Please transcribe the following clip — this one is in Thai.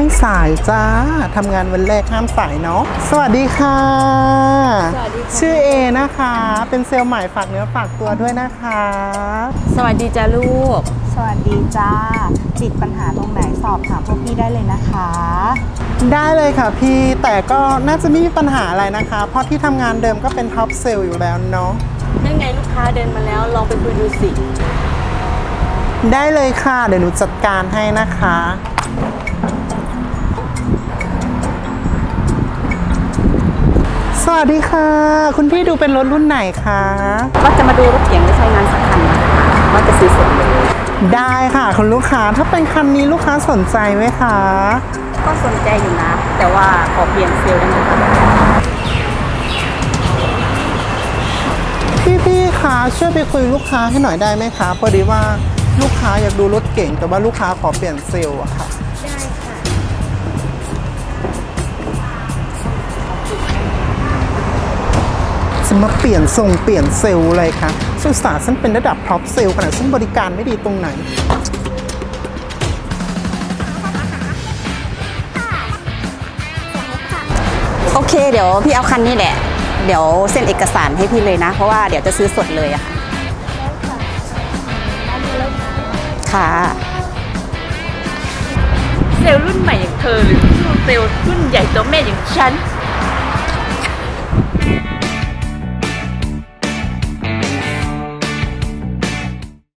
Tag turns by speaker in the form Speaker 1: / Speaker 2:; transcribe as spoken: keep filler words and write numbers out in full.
Speaker 1: สายจ้าทำงานวันแรกห้ามสายเนาะสวัสดีค่ะสวัสดีค่ะชื่อเอนะคะเป็นเซลล์ใหม่ฝากเนื้อฝากตัวด้วยนะคะ
Speaker 2: สวัสดีจ้าลูก
Speaker 3: สวัสดีจ้าติดปัญหาตรงไหนสอบถามพวกพี่ได้เลยนะคะ
Speaker 1: ได้เลยค่ะพี่แต่ก็น่าจะไม่มีปัญหาอะไรนะคะเพราะที่ทำงานเดิมก็เป็นท็อปเซลล์อยู่แล้วเนาะ
Speaker 2: นั่นไงลูกค้าเดินมาแล้วลองไปคุยดูสิ
Speaker 1: ได้เลยค่ะเดี๋ยวหนูจัดการให้นะคะสวัสดีค่ะคุณพี่ดูเป็นรถรุ่นไหนคะ
Speaker 2: ก็จะมาดูรถเก๋งไม่ใช้งานสักคันนะคะว่าจะซื้อสดเลย
Speaker 1: ได้ค่ะคุณลูกค้าถ้าเป็นคันนี้ลูกค้าสนใจไหมคะ
Speaker 2: ก็สนใจอยู่นะแต่ว่าขอเปลี่ยนเซลล์ได้ไหมคะ
Speaker 1: พี่ๆคะช่วยไปคุยลูกค้าให้หน่อยได้ไหมคะพอดีว่าลูกค้าอยากดูรถเก๋งแต่ว่าลูกค้าขอเปลี่ยนเซลล์อะค่ะ
Speaker 2: ได้ค่ะ
Speaker 1: จะมาเปลี่ยนทรงเปลี่ยนเซลล์อะไรคะสุสาฉันเป็นระดับท็อปเซลล์ขนาดฉันบริการไม่ดีตรงไหน
Speaker 2: โอเคเดี๋ยวพี่เอาคันนี้แหละเดี๋ยวเซ็นเอกสารให้พี่เลยนะเพราะว่าเดี๋ยวจะซื้อสดเลยอะค่ะ
Speaker 4: เซลล์รุ่นใหม่อย่างเธอหรือเซลล์รุ่นใหญ่ตัวแม่อย่างฉัน